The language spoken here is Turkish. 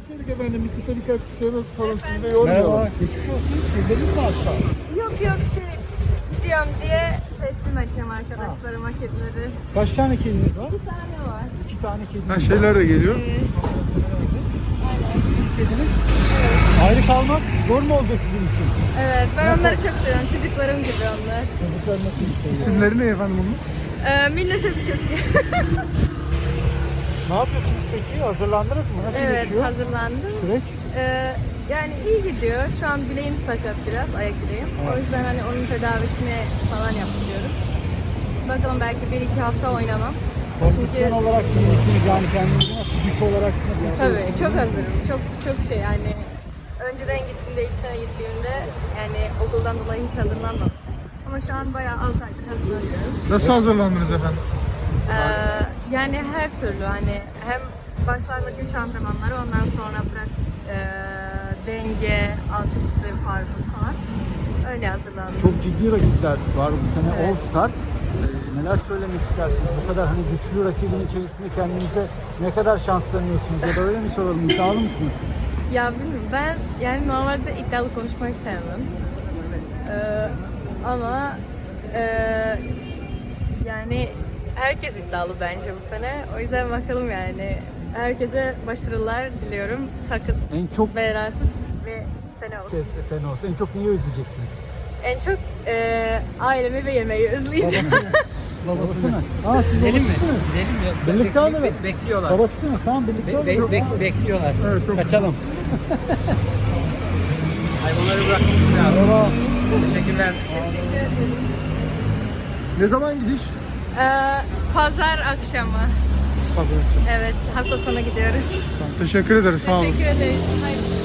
görseydik efendim. Birkaç soru sorun sizi de yormayalım. Merhaba, geçmiş olsun. Gezdiniz mi hasta? Yok gidiyorum diye teslim edeceğim arkadaşlarıma kedileri. Kaç tane kediniz var? Bir tane var. 2 tane kediniz Ha, var. şeyler de geliyor. Evet. Aynen. Kediniz. Ayrı kalmak zor mu olacak sizin için? Evet, ben onları çok seviyorum. Çocuklarım gibi onlar. Çocuklar nasıl seviyor? İsimleri ne efendim bunun? Minnoş öpücüğü. Ne yapıyorsunuz peki? Hazırlandınız mı? Nasıl Evet, geçiyor hazırlandım. süreç? Yani iyi gidiyor. Şu an bileğim sakat biraz, ayak bileğim. O yüzden hani onun tedavisini falan yapıyorum. Bakalım belki 1-2 hafta oynamam. Kondisyon olarak iyi misiniz? Yani kendinizi nasıl, güç olarak nasıl Tabii hissediyorsunuz? çok hazırım. Çok şey yani önceden gittiğimde, ilk sene gittiğimde yani okuldan dolayı hiç hazırlanmamıştım. Ama şu an bayağı 6 aydır hazırlanıyorum. Nasıl hazırlandınız efendim? Yani her türlü hani hem başlarda güç antrenmanları, ondan sonra pratik denge, alt üstü, parkur falan öyle hazırlandım. Çok ciddi rakipler var bu sene. Evet. All Star. Neler söylemek istersiniz? Bu kadar hani güçlü rakibin içerisinde kendinize ne kadar şans tanıyorsunuz? Ya da öyle mi soralım? İddialı mısınız? Ya bilmiyorum, ben yani normalde iddialı konuşmayı sevmem. Ama yani herkes iddialı bence bu sene. O yüzden bakalım yani. Herkese başarılar diliyorum. Sakın En çok belasız ve sene olsun. sen olsun. En çok neyi özleyeceksiniz? En çok ailemi ve yemeği özleyeceğim. Babası mı? Aa, siz Gidelim mi? babasısınız. Gidelim mi? Birlikte alalım. Bekliyorlar. Babasısınız, tamam birlikte alalım. Bekliyorlar. Evet, çok Kaçalım. Hayvanları bırakmamız lazım. Merhaba. Teşekkürler. Teşekkür ederim. Ne zaman gidiş? Pazar akşamı. Evet, hafta sonu gidiyoruz. Teşekkür ederiz. Sağ olun. Teşekkür ederiz. Hayır.